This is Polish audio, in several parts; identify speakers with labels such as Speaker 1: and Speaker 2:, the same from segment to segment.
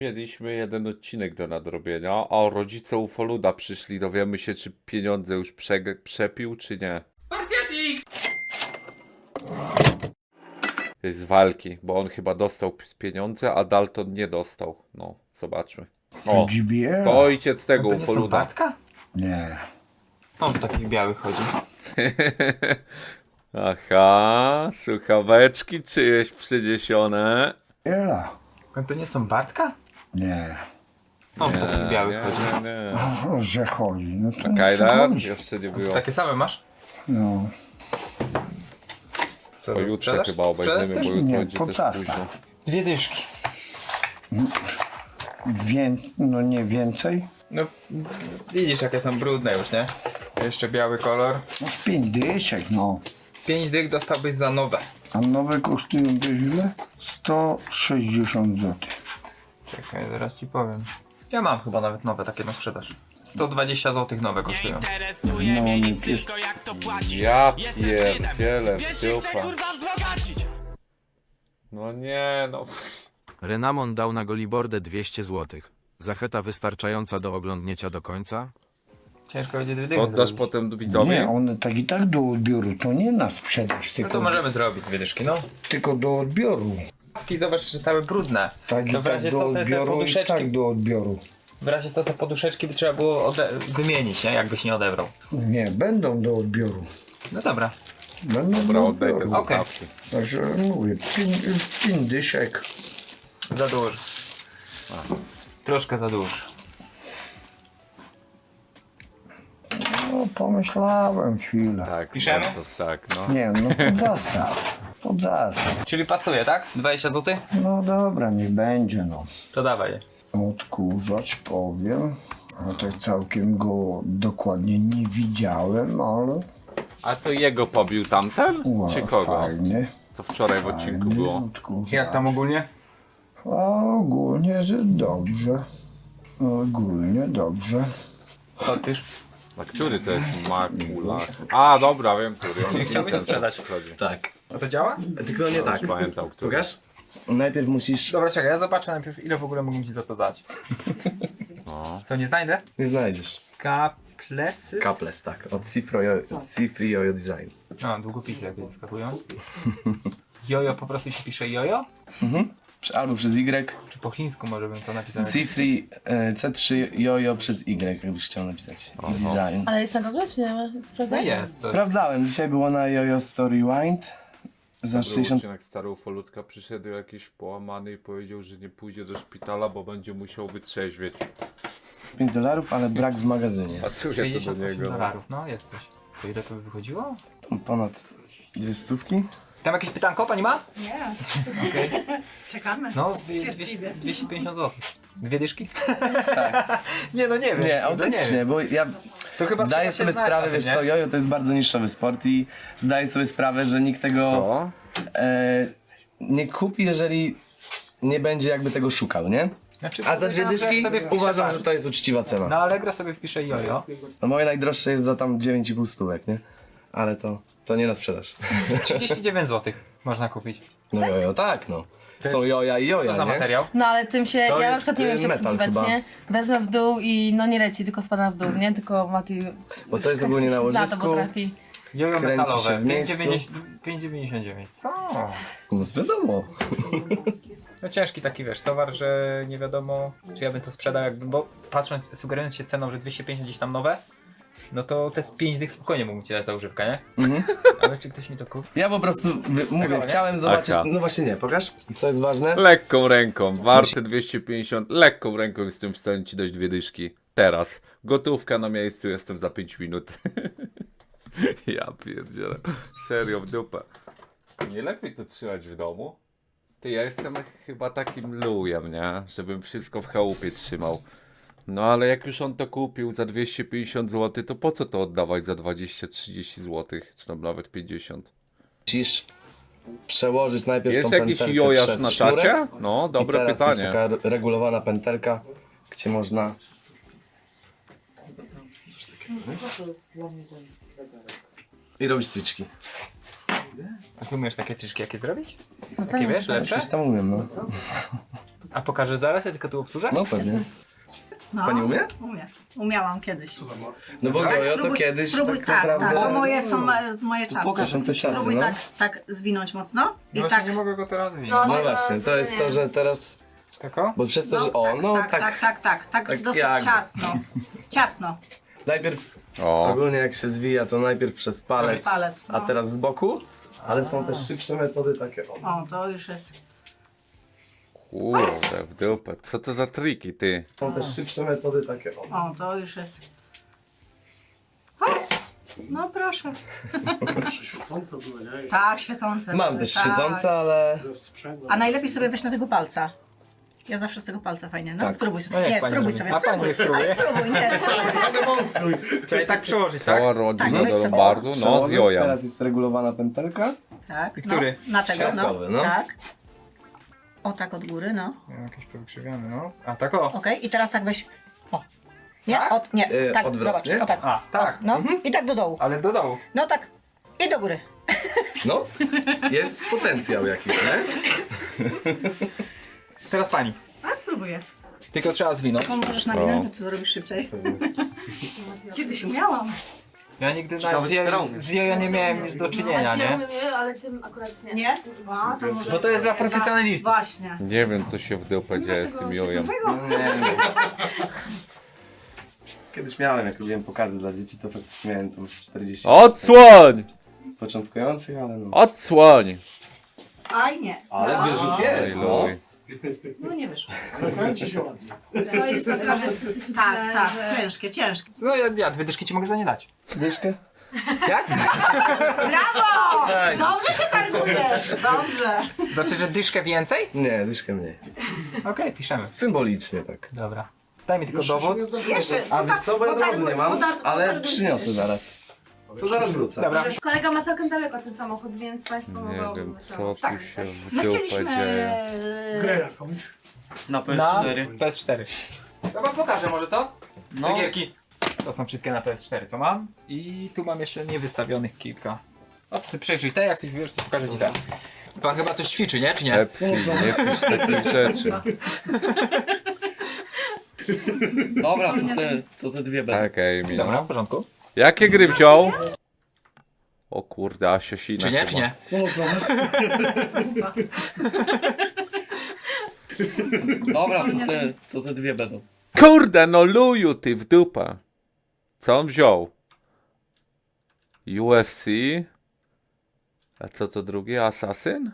Speaker 1: Mieliśmy jeden odcinek do nadrobienia, a rodzice Ufoluda przyszli. Dowiemy się, czy pieniądze już przepił, czy nie.
Speaker 2: Spartiatik!
Speaker 1: Jest walki, bo on chyba dostał pieniądze, a Dalton nie dostał. No, zobaczmy. O,
Speaker 3: GBL?
Speaker 1: to ojciec tego
Speaker 2: To nie są
Speaker 1: Ufoluda.
Speaker 2: Bartka?
Speaker 3: Nie.
Speaker 2: On w takich białych chodzi.
Speaker 1: Aha, słuchaweczki czyjeś przyniesione.
Speaker 3: Ela?
Speaker 2: A to nie są Bartka?
Speaker 3: Nie.
Speaker 2: On w takich białych chodzi.
Speaker 1: nie.
Speaker 3: O, że chodzi. No to nie
Speaker 1: Kajdan?
Speaker 3: chodzi.
Speaker 1: Jeszcze nie
Speaker 2: To
Speaker 1: było.
Speaker 2: takie same masz?
Speaker 3: No.
Speaker 2: Co,
Speaker 1: Pojutrze
Speaker 2: sprzedasz?
Speaker 1: chyba obejrzymy,
Speaker 2: Sprzedasz
Speaker 1: bo
Speaker 2: też?
Speaker 1: jutro
Speaker 3: Nie,
Speaker 1: będzie
Speaker 3: po
Speaker 1: też
Speaker 3: casta.
Speaker 1: późno.
Speaker 2: 2 dyszki.
Speaker 3: No nie więcej?
Speaker 2: No widzisz jakie są brudne już, nie? Jeszcze biały kolor.
Speaker 3: No z 5 dyszek, no.
Speaker 2: 5 dych dostałbyś za nowe.
Speaker 3: A nowe kosztują wiesz ile? 160 zł.
Speaker 2: Czekaj, zaraz ci powiem. Ja mam chyba nawet nowe takie na sprzedaż. 120 zł nowe kosztują.
Speaker 3: No nie wiesz.
Speaker 1: Ja pierdzielę w dupa. No nie, no.
Speaker 4: Renamon dał na Golibordę 200 zł. Zachęta wystarczająca do oglądnięcia do końca?
Speaker 2: Ciężko będzie 2 dychy
Speaker 1: Oddasz
Speaker 2: zrobić.
Speaker 1: potem widzowie?
Speaker 3: Nie, one tak i tak do odbioru. To nie na sprzedaż,
Speaker 2: No
Speaker 3: tylko,
Speaker 2: to możemy zrobić 2 dyszki, no.
Speaker 3: tylko do odbioru.
Speaker 2: I zobacz, że całe brudne.
Speaker 3: Tak i
Speaker 2: To w
Speaker 3: tak
Speaker 2: razie
Speaker 3: do
Speaker 2: co te
Speaker 3: odbioru i
Speaker 2: poduszeczki,
Speaker 3: tak do odbioru.
Speaker 2: w razie co te poduszeczki by trzeba było wymienić, nie? Jakbyś nie odebrał.
Speaker 3: Nie, będą do odbioru.
Speaker 2: No dobra.
Speaker 3: Będą
Speaker 1: Dobra,
Speaker 3: do
Speaker 1: oddaj te
Speaker 3: odbioru.
Speaker 1: słuchawki.
Speaker 3: Także mówię, 5 dyszek.
Speaker 2: Za duży. Troszkę za duży.
Speaker 3: No pomyślałem chwilę.
Speaker 1: Tak,
Speaker 2: Piszemy?
Speaker 1: Bartos, tak, no.
Speaker 3: Nie, no pod zastaw. Pod zastaw.
Speaker 2: Czyli pasuje, tak? 20 zł?
Speaker 3: No dobra, niech będzie no.
Speaker 2: To dawaj.
Speaker 3: Odkurzacz powiem. A tak całkiem go dokładnie nie widziałem, ale
Speaker 1: A to jego pobił tamten?
Speaker 3: wow,
Speaker 1: Czy kogo?
Speaker 3: fajnie.
Speaker 1: Co wczoraj w odcinku
Speaker 3: Fajny
Speaker 1: było?
Speaker 3: odkurzacz.
Speaker 2: Jak tam ogólnie?
Speaker 3: A ogólnie, że dobrze. Ogólnie dobrze.
Speaker 2: Podpisz.
Speaker 1: A który to jest Makula? A, dobra, wiem, który. On
Speaker 2: chciałbyś
Speaker 1: ten,
Speaker 2: to sprzedać?
Speaker 1: co przychodzi.
Speaker 5: Tak.
Speaker 2: A to działa?
Speaker 5: Tylko nie tak.
Speaker 1: Pamiętał, który.
Speaker 5: Pokaż? Najpierw musisz...
Speaker 2: Dobra, czekaj, ja zobaczę najpierw ile w ogóle mógłbym ci za to dać. Co, nie znajdę?
Speaker 5: Nie znajdziesz.
Speaker 2: Kaplesy?
Speaker 5: Kaples, tak. Od C3 Jojo Design.
Speaker 2: A, długopisy jakieś skakują. Jojo po prostu się pisze jojo?
Speaker 5: Albo przez Y.
Speaker 2: Czy po chińsku może bym to napisał?
Speaker 5: C3, C3 Jojo przez Y, jakbyś chciał napisać. Design.
Speaker 6: Ale jest na Google, czy nie ma?
Speaker 2: No
Speaker 6: Sprawdzać?
Speaker 2: jest. To...
Speaker 5: Sprawdzałem. Dzisiaj było na Jojo Story Wind. Za
Speaker 1: Był
Speaker 5: 60...
Speaker 1: odcinek Stary Ufolutka, przyszedł jakiś połamany i powiedział, że nie pójdzie do szpitala, bo będzie musiał wytrzeźwieć.
Speaker 5: $5, ale brak w magazynie.
Speaker 1: A co ja to do
Speaker 2: 68
Speaker 1: niego?
Speaker 2: dolarów, no jest coś. To ile to by wychodziło?
Speaker 5: Ponad 2 stówki.
Speaker 2: Tam jakieś pytanko pani ma?
Speaker 7: Nie,
Speaker 2: Okej.
Speaker 7: czekamy.
Speaker 2: No, z
Speaker 7: Cierpliwie.
Speaker 2: 250 zł. 2 dyszki? Tak. Nie, no nie wiem.
Speaker 5: Nie,
Speaker 2: no
Speaker 5: autentycznie,
Speaker 2: wiem.
Speaker 5: bo ja
Speaker 2: To chyba
Speaker 5: zdaję
Speaker 2: trzeba się
Speaker 5: sobie
Speaker 2: znać
Speaker 5: sprawę,
Speaker 2: na tym,
Speaker 5: wiesz
Speaker 2: nie?
Speaker 5: co, jojo to jest bardzo niszowy sport i zdaję sobie sprawę, że nikt tego
Speaker 1: Co?
Speaker 5: nie kupi, jeżeli nie będzie jakby tego szukał, nie?
Speaker 2: Znaczy,
Speaker 5: A za 2 dyszki
Speaker 2: sobie wpiszę,
Speaker 5: uważam,
Speaker 2: patrz.
Speaker 5: że to jest uczciwa cena.
Speaker 2: Na Allegro sobie wpiszę jojo.
Speaker 5: No moje najdroższe jest za tam 9,5 stówek, nie? Ale to nie na sprzedaż.
Speaker 2: 39 zł można kupić.
Speaker 5: No jojo, tak no. Są joja i
Speaker 2: Co
Speaker 5: joja,
Speaker 2: za
Speaker 5: nie?
Speaker 2: materiał?
Speaker 6: No ale tym się,
Speaker 5: To
Speaker 6: ja
Speaker 5: jest,
Speaker 6: na przykład nie wiem, jak
Speaker 5: metal
Speaker 6: obsługiwać,
Speaker 5: chyba.
Speaker 6: nie? Wezmę w dół i no nie leci, tylko spada w dół, nie? Tylko Mati...
Speaker 5: Bo to jest ogólnie na
Speaker 6: zna, to
Speaker 5: łożysku.
Speaker 6: potrafi.
Speaker 2: Jojo
Speaker 5: Kręci
Speaker 2: metalowe.
Speaker 5: się w miejscu.
Speaker 2: 5,99. Co?
Speaker 5: No wiadomo.
Speaker 2: No ciężki taki, wiesz, towar, że nie wiadomo, czy ja bym to sprzedał jakbym, bo patrząc, sugerując się ceną, że 250 gdzieś tam nowe, no to te z 5 dych spokojnie mógłbym ci dać za używkę, nie? Ale czy ktoś mi to kupi?
Speaker 5: Ja po prostu mówię,
Speaker 2: nie?
Speaker 5: chciałem zobaczyć.
Speaker 1: Aka.
Speaker 5: No właśnie nie, pokaż. Co jest ważne?
Speaker 1: Lekką ręką, warte 250, lekką ręką jestem w stanie ci dać 2 dyszki. Teraz. Gotówka na miejscu, jestem za 5 minut. Ja pierdzielę. Serio, w dupę. Nie lepiej to trzymać w domu? Ty, ja jestem chyba takim lujem, nie? Żebym wszystko w chałupie trzymał. No ale jak już on to kupił za 250 zł, to po co to oddawać za 20-30 zł? Czy tam nawet 50?
Speaker 5: Musisz przełożyć najpierw
Speaker 1: Jest
Speaker 5: tą
Speaker 1: jakiś
Speaker 5: pętelkę
Speaker 1: jojasz
Speaker 5: przez
Speaker 1: na
Speaker 5: sznurek.
Speaker 1: czacie? No,
Speaker 5: I
Speaker 1: dobre
Speaker 5: teraz
Speaker 1: pytanie.
Speaker 5: jest taka regulowana pętelka, gdzie można... I robić tryczki.
Speaker 2: A ty umiesz takie tryszki jakie zrobić?
Speaker 6: No
Speaker 2: Takie
Speaker 6: pewnie,
Speaker 2: wiesz,
Speaker 6: że tak.
Speaker 2: lepsze?
Speaker 5: Coś tam umiem, no.
Speaker 2: A pokażesz zaraz, ja tylko tu obsłużę?
Speaker 5: No pewnie.
Speaker 7: No,
Speaker 5: Pani umie?
Speaker 7: Umiem. Umiałam kiedyś.
Speaker 5: No bo Gojo to kiedyś
Speaker 7: spróbuj
Speaker 5: tak
Speaker 7: tak,
Speaker 5: naprawdę...
Speaker 7: tak. To moje są moje czasy.
Speaker 5: To są te czasy,
Speaker 7: Spróbuj
Speaker 5: no.
Speaker 7: tak zwinąć mocno.
Speaker 2: No
Speaker 7: I
Speaker 2: właśnie
Speaker 7: tak.
Speaker 2: nie mogę go teraz wyjąć.
Speaker 6: No,
Speaker 5: No właśnie, to jest to, że teraz...
Speaker 2: Tako?
Speaker 5: Bo przez to, że... O, no tak.
Speaker 7: Tak dosyć
Speaker 5: jakby.
Speaker 7: ciasno. Ciasno.
Speaker 5: Najpierw,
Speaker 1: O,
Speaker 5: ogólnie jak się zwija, to najpierw przez palec,
Speaker 7: Palec, no.
Speaker 5: a teraz z boku. Ale są też szybsze metody takie, o.
Speaker 7: O, to już jest.
Speaker 1: kurde, w dupę. Co to za triki, ty?
Speaker 5: Są też szybsze metody takie, o.
Speaker 7: O, to już jest. O, no proszę.
Speaker 8: Świecące były, nie?
Speaker 7: Tak, świecące.
Speaker 5: Mam
Speaker 7: były,
Speaker 5: też
Speaker 7: tak.
Speaker 5: świecące, ale...
Speaker 7: A najlepiej sobie weź na tego palca. Ja zawsze z tego palca fajnie. No
Speaker 5: Tak.
Speaker 7: spróbuj sobie.
Speaker 2: No niech
Speaker 7: Nie,
Speaker 2: pani
Speaker 7: spróbuj
Speaker 2: robi.
Speaker 7: sobie.
Speaker 2: A pani niech spróbuje.
Speaker 7: Ale spróbuj, nie. Spróbuj.
Speaker 2: Trzeba tak przyłożyć, tak?
Speaker 1: Cała rodzina
Speaker 7: weź
Speaker 1: do
Speaker 7: sobie.
Speaker 1: Lombardu, no z
Speaker 5: Przełożyć,
Speaker 1: jojem.
Speaker 5: teraz jest regulowana pętelka.
Speaker 7: Tak.
Speaker 2: Który?
Speaker 7: No, na tego,
Speaker 5: Środkowy, no.
Speaker 7: Tak. O, tak od góry, no.
Speaker 2: Jakiś powykrzywiony, no. A tak o.
Speaker 7: Okej, i teraz tak weź. O. Nie,
Speaker 2: Tak?
Speaker 7: nie, tak,
Speaker 5: odwrotnie?
Speaker 7: zobacz, o tak.
Speaker 2: A, tak.
Speaker 7: No, i tak do dołu.
Speaker 2: Ale do dołu.
Speaker 7: No tak. I do góry.
Speaker 5: No, jest potencjał jakiś, nie?
Speaker 2: Teraz pani.
Speaker 7: A spróbuję.
Speaker 2: Tylko trzeba zwinąć.
Speaker 7: Możesz nawinąć, bo to zrobisz szybciej. Kiedyś umiałam.
Speaker 2: Ja nigdy z jojo nie miałem nic do czynienia, nie?
Speaker 6: ale tym akurat nie.
Speaker 7: Nie? A, to może...
Speaker 2: Bo to jest dla profesjonalistów.
Speaker 7: Właśnie.
Speaker 1: Nie wiem, co się w dupę dzieje z tym jojem.
Speaker 5: Nie. Kiedyś miałem, jak robiłem pokazy dla dzieci, to faktycznie miałem tam z 40
Speaker 1: Odsłoń!
Speaker 5: początkujących, ale no.
Speaker 1: Odsłoń!
Speaker 7: Aj, nie.
Speaker 5: Ale wyrzut jest, no.
Speaker 1: Ojluj.
Speaker 7: No nie wyszło.
Speaker 8: Kręci się ładnie.
Speaker 6: To jest naprawdę specyficzne,
Speaker 7: Tak, tak.
Speaker 6: że...
Speaker 7: Ciężkie, ciężkie.
Speaker 2: No ja 2 dyszki ci mogę za nie dać.
Speaker 5: Dyszkę?
Speaker 2: Jak?
Speaker 7: Brawo! Dobrze się targujesz. Dobrze.
Speaker 2: Znaczy, że dyszkę więcej?
Speaker 5: Nie, dyszkę mniej.
Speaker 2: Okej, piszemy.
Speaker 5: Symbolicznie tak.
Speaker 2: Dobra. Daj mi tylko dowód.
Speaker 7: Jeszcze.
Speaker 5: A wiesz co, bo ja dowód nie mam, ale
Speaker 7: potarguj.
Speaker 5: przyniosę zaraz. To zaraz wrócę.
Speaker 2: Dobra.
Speaker 6: Kolega ma całkiem daleko ten samochód, więc państwo
Speaker 1: Nie
Speaker 6: mogą...
Speaker 1: wiem, co tu się w
Speaker 7: My
Speaker 1: dupę
Speaker 7: chcieliśmy...
Speaker 1: dzieje.
Speaker 8: Grę jakąś.
Speaker 2: Na PS4. Dobra, pokażę może co? Te gierki. To są wszystkie na PS4, co mam. I tu mam jeszcze niewystawionych kilka. O, to sobie przejrzyj te, jak coś wiesz, to pokażę ci te. Pan chyba coś ćwiczy, nie? Czy nie?
Speaker 1: Pepsi, nie pisz takich rzeczy.
Speaker 9: Dobra, to te dwie będą.
Speaker 1: Tak, Amy,
Speaker 2: Dobra,
Speaker 1: no.
Speaker 2: w porządku.
Speaker 1: Jakie gry wziął? O kurde, Asiasina
Speaker 2: Czy nie,
Speaker 1: chyba.
Speaker 2: czy nie?
Speaker 9: Dobra, to te dwie będą.
Speaker 1: Kurde, no luju ty w dupę. Co on wziął? UFC? A co to drugie? Assassin?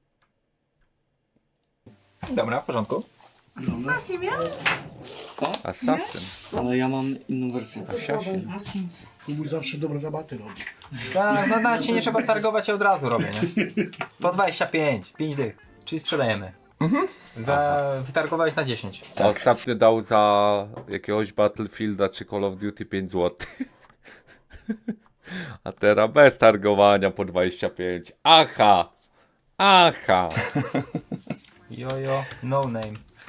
Speaker 2: Dobra, w porządku.
Speaker 7: Nas nie miałeś?
Speaker 9: Co?
Speaker 1: Assassin.
Speaker 9: Ale ja mam inną wersję.
Speaker 1: Asiasin.
Speaker 8: Kubuś zawsze dobre rabaty robi.
Speaker 2: No nawet się nie trzeba targować, ja od razu robię, nie? Po 25, 5 dych. Czyli sprzedajemy. Wytargowałeś na 10.
Speaker 1: Ostatnio dał za jakiegoś Battlefielda czy Call of Duty 5 zł. A teraz bez targowania po 25. Aha! Aha!
Speaker 2: Jojo, no name.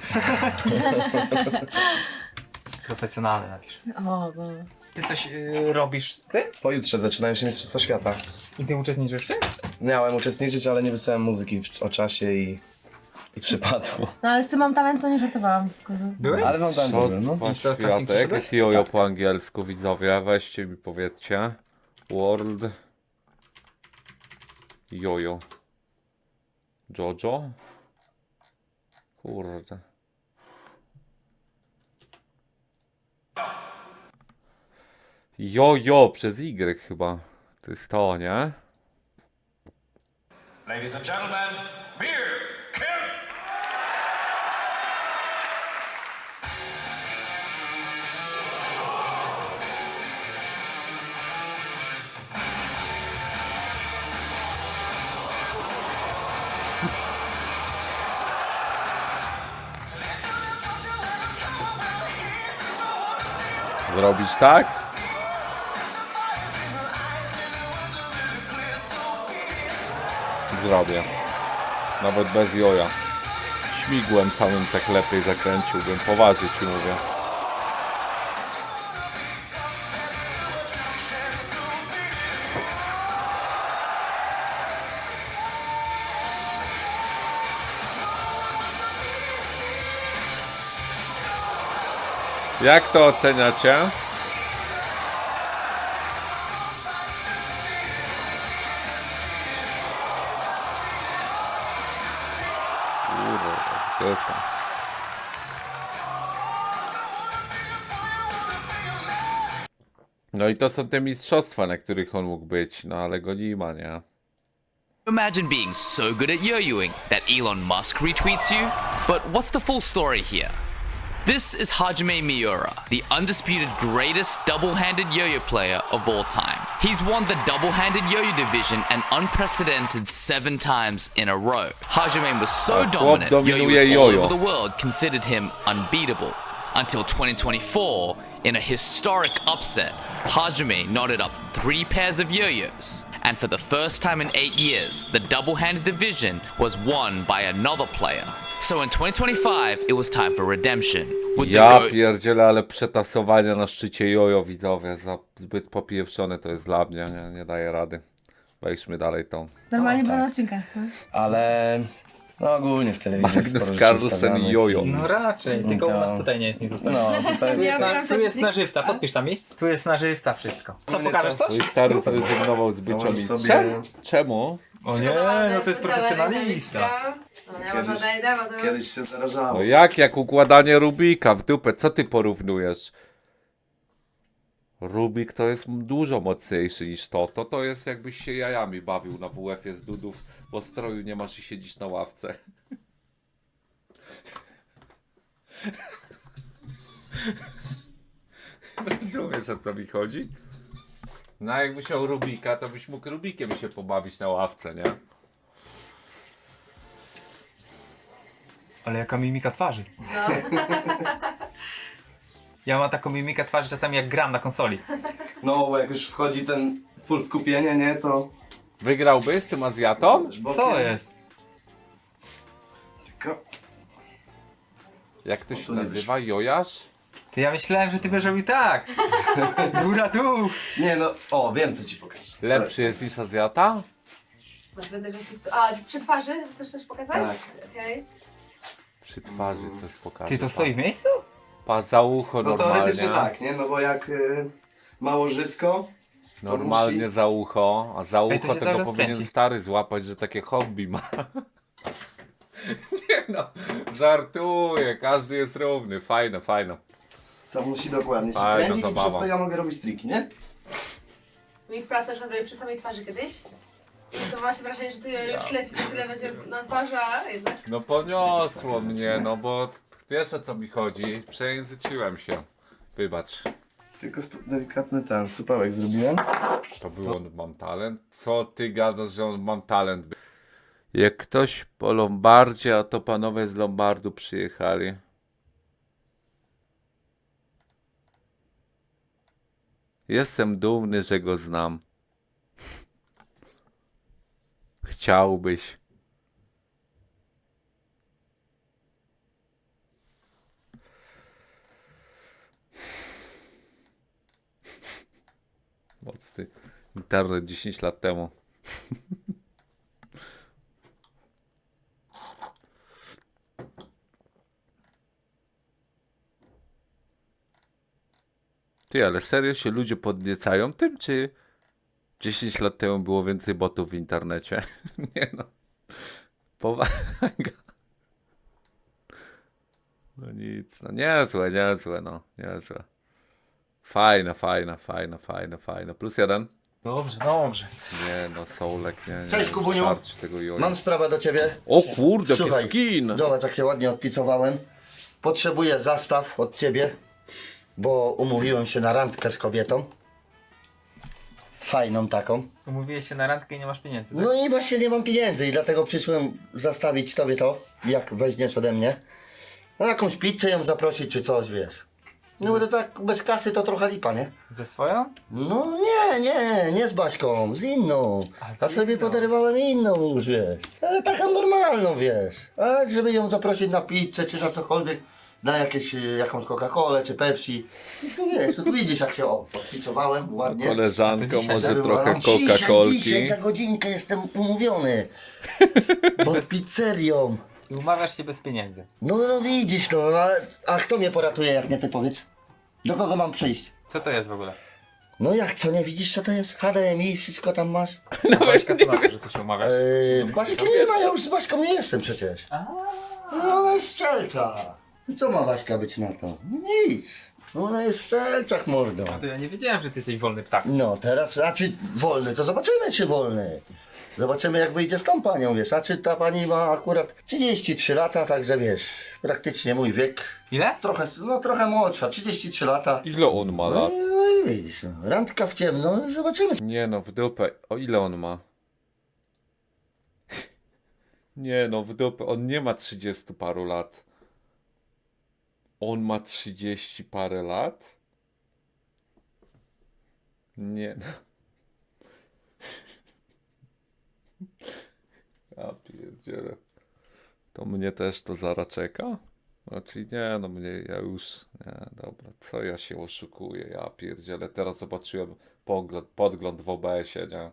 Speaker 2: Profesjonalny napisz.
Speaker 6: O, no.
Speaker 2: Ty coś robisz z tym?
Speaker 5: Pojutrze zaczynają się Mistrzostwa Świata.
Speaker 2: I ty uczestniczysz w tym?
Speaker 5: Miałem uczestniczyć, ale nie wysłałem muzyki o czasie i przypadło.
Speaker 6: No ale z tym mam talent, to nie żartowałam.
Speaker 2: Byłeś?
Speaker 5: Ale mam tam
Speaker 1: Co
Speaker 5: dobrze, no.
Speaker 1: za
Speaker 2: I co, casting
Speaker 1: światek?
Speaker 2: przeszedłeś?
Speaker 1: Jest jojo po angielsku, widzowie. Weźcie mi powiedzcie. World. Jojo. Jojo? Kurde. Jojo przez Y chyba. To jest to, nie?
Speaker 10: Ladies and gentlemen, here, Kim.
Speaker 1: Zrobić tak? Zrobię. Nawet bez joja. Śmigłem samym tak lepiej zakręciłbym. Poważnie ci mówię. Jak to oceniacie? Kurwa, typa. No i to są te mistrzostwa, na których on mógł być, no ale go nie ma, nie?
Speaker 10: Imagine being so good at yo-yoing that Elon Musk retweets you. But what's the full story here? This is Hajime Miura, the undisputed greatest double-handed yo-yo player of all time. He's won the double-handed yo-yo division an unprecedented 7 times in a row. Hajime was so
Speaker 1: chłop
Speaker 10: dominant,
Speaker 1: dominuje
Speaker 10: yo-yoers all
Speaker 1: yo-yo.
Speaker 10: over the world considered him unbeatable. Until 2024, in a historic upset, Hajime knotted up 3 pairs of yo-yos. And for the first time in 8 years, the double-handed division was won by another player. So in 2025, it was time for redemption. With the
Speaker 1: Ja
Speaker 10: GOAT
Speaker 1: pierdzielę, ale przetasowania na szczycie jojo, widzowie, zbyt popieprzone to jest dla mnie, nie daję rady. Wejdźmy dalej tą.
Speaker 6: Normalnie było na odcinkach. No.
Speaker 5: Ale no ogólnie w telewizji jest sporo
Speaker 1: Magnus
Speaker 5: rzeczy
Speaker 1: Carlsen i
Speaker 5: stawianych
Speaker 1: jojo.
Speaker 2: No raczej, tylko u
Speaker 5: to-
Speaker 2: nas tutaj nie jest nic zostało.
Speaker 5: No, tutaj
Speaker 2: Tu jest,
Speaker 6: Ja gram
Speaker 2: tu jest
Speaker 6: się
Speaker 2: na żywca, podpisz tam mi. Tu jest na żywca wszystko. Co, pokażesz coś?
Speaker 1: Mój stary zrezygnował z bycia
Speaker 5: Założysz
Speaker 1: mistrzem?
Speaker 5: sobie-
Speaker 1: Czemu?
Speaker 2: O nie, no to jest profesjonalista.
Speaker 6: No, ja może odejdę, bo to...
Speaker 5: kiedyś się zarażało.
Speaker 1: No jak układanie Rubika w dupę, co ty porównujesz? Rubik to jest dużo mocniejszy niż to. To jest jakbyś się jajami bawił na WF-ie z dudów, bo stroju nie masz i siedzisz na ławce. Rozumiesz, o co mi chodzi? No jakbyś miał Rubika, to byś mógł Rubikiem się pobawić na ławce, nie?
Speaker 2: Ale jaka mimika twarzy. Ja mam taką mimikę twarzy czasami jak gram na konsoli.
Speaker 5: No, bo jak już wchodzi ten full skupienie, nie, to...
Speaker 1: Wygrałby z tym Azjatą?
Speaker 2: Co jest?
Speaker 5: Tylko...
Speaker 1: Jak to się
Speaker 5: to nie
Speaker 1: nazywa? Jojasz?
Speaker 2: Ty, ja myślałem, że ty będziesz robił tak. Góra, dół.
Speaker 5: Nie no, o, wiem co ci pokażę.
Speaker 1: Lepszy jest niż Azjata?
Speaker 6: Będę A, przy twarzy chcesz coś pokazać?
Speaker 5: Tak.
Speaker 6: Okej.
Speaker 1: Przy twarzy coś pokaże.
Speaker 2: Ty, to stoi w miejscu?
Speaker 1: Pa za ucho
Speaker 5: No
Speaker 1: normalnie.
Speaker 5: teoretycznie tak, nie? No bo jak małożysko,
Speaker 1: Normalnie
Speaker 5: musi-
Speaker 1: za ucho, a za
Speaker 2: Ej, to
Speaker 1: ucho
Speaker 2: się cały
Speaker 1: tego
Speaker 2: czas
Speaker 1: powinien
Speaker 2: kręci.
Speaker 1: stary złapać, że takie hobby ma. Nie no, żartuję, każdy jest równy, fajne, fajne.
Speaker 5: to musi dokładnie się
Speaker 1: Fajna
Speaker 5: kręcić i
Speaker 1: zabawa.
Speaker 5: przez to ja mogę robić triki, nie?
Speaker 6: Mi w pracy na przykład robię przy samej twarzy kiedyś. I to ma się wrażenie, że ty już leci, za chwilę będzie na twarzy, a jednak...
Speaker 1: No poniosło mnie, no bo wiesz o co mi chodzi, przejęzyczyłem się. Wybacz.
Speaker 5: Tylko delikatny ten supełek zrobiłem.
Speaker 1: To był on mam talent? Co ty gadasz, że on mam talent? Jak ktoś po Lombardzie, a to panowie z Lombardu przyjechali. Jestem dumny, że go znam. Chciałbyś. Mocny internet 10 lat temu. Ty, ale serio się ludzie podniecają tym, czy 10 lat temu było więcej botów w internecie? Nie no. Powaga. No nic, no niezłe, no, niezłe. Fajne. +1.
Speaker 2: Dobrze, dobrze.
Speaker 1: Nie no, Soulek, nie.
Speaker 3: Cześć, Kubuniu.
Speaker 1: Starczy tego joja.
Speaker 3: Mam sprawę do ciebie.
Speaker 1: O kurde, jaki
Speaker 3: Słuchaj,
Speaker 1: skin!
Speaker 3: zobacz, jak się ładnie odpicowałem. Potrzebuję zastaw od ciebie, bo umówiłem się na randkę z kobietą. Fajną taką.
Speaker 2: Umówiłeś się na randkę i nie masz pieniędzy, tak?
Speaker 3: No i właśnie nie mam pieniędzy i dlatego przyszłem zastawić tobie to, jak weźmiesz ode mnie. No jakąś pizzę ją zaprosić czy coś, wiesz. No bo to tak bez kasy to trochę lipa, nie?
Speaker 2: Ze swoją?
Speaker 3: No nie z Baśką, z inną.
Speaker 2: A, z
Speaker 3: A sobie
Speaker 2: inną.
Speaker 3: podarowałem inną już, wiesz. Ale taką normalną, wiesz. Ale żeby ją zaprosić na pizzę czy na cokolwiek, na jakąś Coca-Colę czy Pepsi. No wiesz, tu widzisz jak się podpicowałem ładnie.
Speaker 1: Koleżanko,
Speaker 2: To dzisiaj,
Speaker 1: może
Speaker 3: Żeby
Speaker 1: trochę
Speaker 3: była- Dzisiaj
Speaker 1: Coca-Colki.
Speaker 3: za godzinkę jestem umówiony. Pod pizzerią.
Speaker 2: I umawiasz się bez pieniędzy.
Speaker 3: No widzisz, no, a kto mnie poratuje jak nie ty, powiedz? Do kogo mam przyjść?
Speaker 2: Co to jest w ogóle?
Speaker 3: No jak, co nie widzisz co to jest? HDMI, wszystko tam masz?
Speaker 2: No Baśka co na to, że ty się umawiasz?
Speaker 3: Baśki nie ma, ja już z Baśką nie jestem przecież. No ona jest strzelca. I co ma Baśka być na to? Nic. No ona jest w strzelcach, mordo.
Speaker 2: To ja nie wiedziałem, że ty jesteś wolny ptak.
Speaker 3: No teraz, znaczy wolny, to zobaczymy czy wolny. Zobaczymy jak wyjdzie z tą panią, wiesz, a czy ta pani ma akurat 33 lata, także wiesz, praktycznie mój wiek.
Speaker 2: Ile?
Speaker 3: Trochę młodsza, 33 lata.
Speaker 1: Ile on ma
Speaker 3: No
Speaker 1: lat?
Speaker 3: i widzisz, no, randka w ciemno, no, zobaczymy.
Speaker 1: Nie no, w dupę. O ile on ma? Nie no, w dupę. On nie ma 30 paru lat. On ma 30 parę lat? Nie no. Ja pierdzielę. To mnie też to zara czeka? Znaczy nie, no mnie, ja już, nie, dobra, co ja się oszukuję, ja pierdzielę, teraz zobaczyłem podgląd w OBS-ie, nie?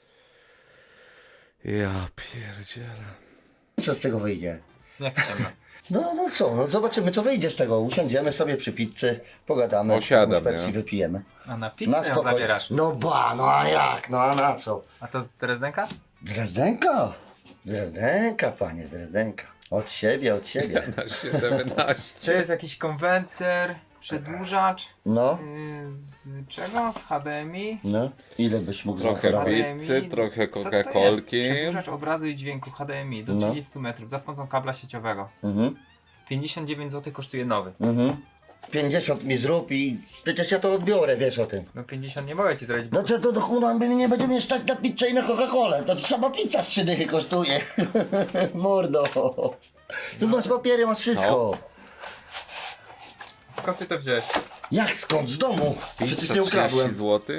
Speaker 1: Ja pierdzielę.
Speaker 3: Co z tego wyjdzie?
Speaker 2: Jak ciemno.
Speaker 3: No co, no zobaczymy co wyjdzie z tego. Usiądziemy sobie przy pizzy, pogadamy,
Speaker 1: Osiadam,
Speaker 3: jakąś Pepsi
Speaker 1: nie?
Speaker 3: wypijemy.
Speaker 2: A na pizzę ją zabierasz.
Speaker 3: No no a jak, no a na co?
Speaker 2: A to z Drezdenka?
Speaker 3: Drezdenka? Drezdenka, panie, Drezdenka. Od siebie.
Speaker 1: Na 17.
Speaker 2: To jest jakiś konwerter, przedłużacz.
Speaker 3: No,
Speaker 2: Z czego? Z HDMI?
Speaker 3: no. Ile byś mógł
Speaker 1: Trochę
Speaker 3: zaoferować?
Speaker 1: pizzy, trochę
Speaker 2: Co to
Speaker 1: Coca-Colki.
Speaker 2: jest? Przedłużacz obrazu i dźwięku HDMI do
Speaker 3: No.
Speaker 2: 30 metrów za pomocą kabla sieciowego.
Speaker 3: Mhm,
Speaker 2: 59 zł kosztuje nowy.
Speaker 3: 50 mi zrób i przecież ja to odbiorę, wiesz o tym.
Speaker 2: No 50 nie mogę ci zrobić, bo
Speaker 3: No co to do chuda, my nie będziemy stać na pizzę i na Coca-Colę. To sama pizza z 3 dychy kosztuje. Mordo. Tu masz papiery, masz wszystko.
Speaker 2: skąd ty to wziąłeś?
Speaker 3: Jak skąd? Z domu. Przecież nie ukradłem.
Speaker 1: zł.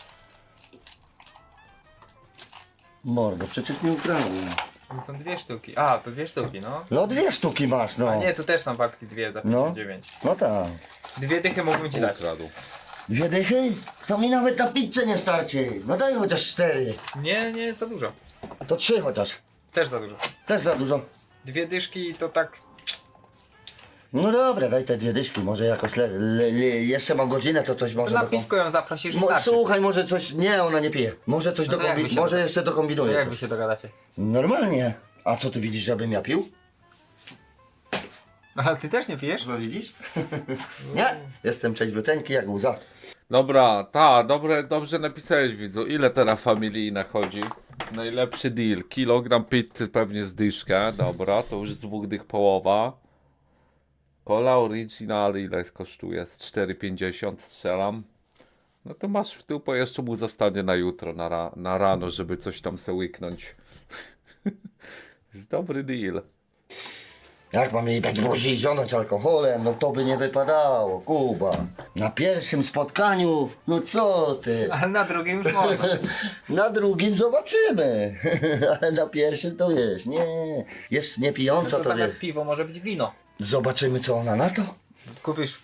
Speaker 3: Mordo, przecież nie ukradłem.
Speaker 2: To są dwie sztuki. A, to dwie sztuki, no.
Speaker 3: No 2 sztuki masz, no.
Speaker 2: A nie, tu też są w akcji dwie za
Speaker 3: No.
Speaker 2: 59.
Speaker 3: No tak.
Speaker 2: Dwie dychy mógłbym ci dać.
Speaker 1: Ukradł.
Speaker 3: 2 dychy? To mi nawet na pizzę nie starczy. No daj chociaż 4.
Speaker 2: Nie, za dużo.
Speaker 3: To 3 chociaż.
Speaker 2: Też za dużo.
Speaker 3: Też za dużo.
Speaker 2: Dwie dyszki to tak...
Speaker 3: No dobra, daj te 2 dyszki. Może jakoś jeszcze mam godzinę, to coś może...
Speaker 2: Na
Speaker 3: dokom-
Speaker 2: piwko ją zaprosisz i starczy.
Speaker 3: Słuchaj, może coś... Nie, ona nie pije. Może coś
Speaker 2: No to jak wy się
Speaker 3: Może jeszcze
Speaker 2: To
Speaker 3: dokombinuje.
Speaker 2: jak
Speaker 3: coś.
Speaker 2: wy się dogadacie?
Speaker 3: Normalnie. A co ty widzisz, żebym ja pił?
Speaker 2: A ty też nie pijesz?
Speaker 3: No widzisz? Nie. Jestem trzeźwiuteńki jak łza.
Speaker 1: Dobra, dobrze napisałeś, widzu. Ile teraz familijna chodzi? Najlepszy deal. Kilogram pizzy pewnie z dyszka. Dobra, to już z 2 dych połowa. Cola Original ile kosztuje? Z 4,50 strzelam. No to masz w tył, bo jeszcze mu zostanie na jutro, na rano, żeby coś tam se łyknąć. Jest dobry deal.
Speaker 3: Jak mam jej dać buzi i zionąć alkoholem? No to by nie wypadało, Kuba. Na pierwszym spotkaniu, no co ty?
Speaker 2: Ale na drugim już można.
Speaker 3: Na drugim zobaczymy. Ale na pierwszym to wiesz, nie. Jest
Speaker 2: No
Speaker 3: niepijąca,
Speaker 2: to
Speaker 3: to
Speaker 2: zamiast
Speaker 3: wiesz.
Speaker 2: piwo może być wino.
Speaker 3: Zobaczymy co ona na to.
Speaker 2: Kupisz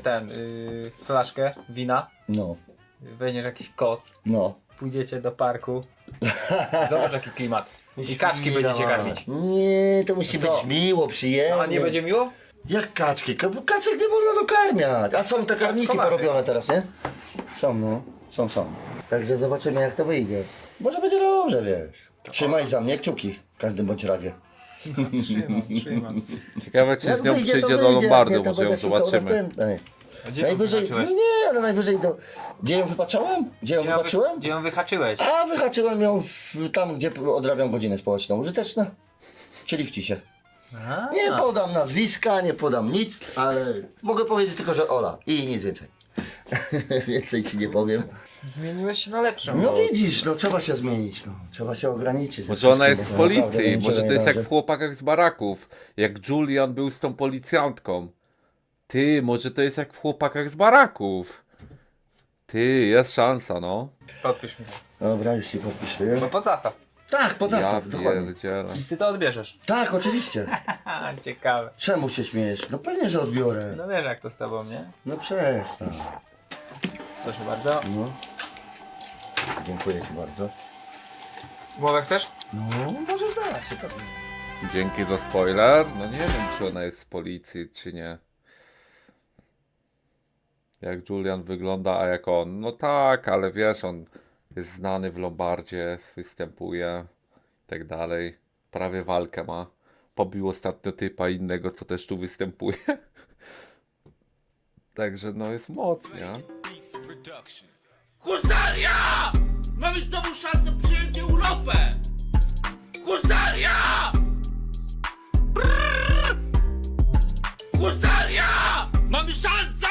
Speaker 2: flaszkę wina,
Speaker 3: No,
Speaker 2: weźmiesz jakiś koc,
Speaker 3: no.
Speaker 2: pójdziecie do parku. Zobacz jaki klimat. I kaczki
Speaker 3: Świra
Speaker 2: będziecie
Speaker 3: mała.
Speaker 2: karmić.
Speaker 3: Nie, to musi
Speaker 2: Co?
Speaker 3: być miło, przyjemnie.
Speaker 2: A nie będzie miło?
Speaker 3: Jak kaczki? Kaczek nie wolno dokarmiać. A są te karniki
Speaker 2: Kaczkomaty.
Speaker 3: porobione teraz, nie? Są, no. Są. Także zobaczymy jak to wyjdzie. Może będzie dobrze, wiesz. Trzymaj za mnie kciuki w każdym bądź razie.
Speaker 2: Trzymam.
Speaker 1: Ciekawe, czy
Speaker 3: Jak
Speaker 1: z nią
Speaker 3: wyjdzie, to
Speaker 1: przyjdzie do
Speaker 3: wyjdzie, jak
Speaker 1: Lombardu,
Speaker 3: nie, to
Speaker 1: może ją
Speaker 3: będę szukał
Speaker 1: zobaczymy.
Speaker 3: następnej.
Speaker 2: A gdzie ją
Speaker 3: Najwyżej, no
Speaker 2: wyhaczyłeś?
Speaker 3: nie, ale najwyżej to... Gdzie ją wypaczałem? Gdzie ją wypaczyłem?
Speaker 2: Gdzie ją wyhaczyłeś?
Speaker 3: A wyhaczyłem ją tam, gdzie odrabiam godzinę społeczną. Użyteczna. Czyli w cisie.
Speaker 2: A,
Speaker 3: Nie podam nazwiska, nie podam nic, ale mogę powiedzieć tylko, że Ola i nic więcej. Więcej ci nie powiem.
Speaker 2: Zmieniłeś się na lepszą.
Speaker 3: No widzisz, no trzeba się zmienić, no. Trzeba się ograniczyć. ze
Speaker 1: Może ona jest z
Speaker 3: wszystkim, bo naprawdę
Speaker 1: policji,
Speaker 3: niczego
Speaker 1: może
Speaker 3: nie
Speaker 1: to jest jak
Speaker 3: dążę.
Speaker 1: w Chłopakach z baraków. Jak Julian był z tą policjantką. Ty, może to jest jak w Chłopakach z baraków. Ty, jest szansa, no.
Speaker 2: Podpisz mi to.
Speaker 3: Dobra, już się podpisuję.
Speaker 2: Bo pod zastaw.
Speaker 3: Tak, pod
Speaker 1: Ja
Speaker 3: nastaw, dokładnie.
Speaker 1: pierdzielę.
Speaker 2: I ty to odbierzesz.
Speaker 3: Tak, oczywiście.
Speaker 2: Haha, ciekawe.
Speaker 3: Czemu się śmiejesz? No pewnie, że odbiorę.
Speaker 2: No wiesz jak to z tobą, nie?
Speaker 3: No przestań.
Speaker 2: Proszę bardzo.
Speaker 3: No. Dziękuję ci bardzo.
Speaker 2: Głowę chcesz?
Speaker 3: No, możesz dać, pewnie.
Speaker 1: Dzięki za spoiler. No nie wiem, czy ona jest z policji, czy nie. jak Julian wygląda, a jak on. No tak, ale wiesz, on jest znany w Lombardzie, występuje i tak dalej. Prawie walkę ma. Pobił ostatnio typa innego, co też tu występuje. Także no jest mocnie.
Speaker 11: Husaria! Mamy znowu szansę przyjąć Europę! Husaria! Brrr! Husaria! Mamy szansę!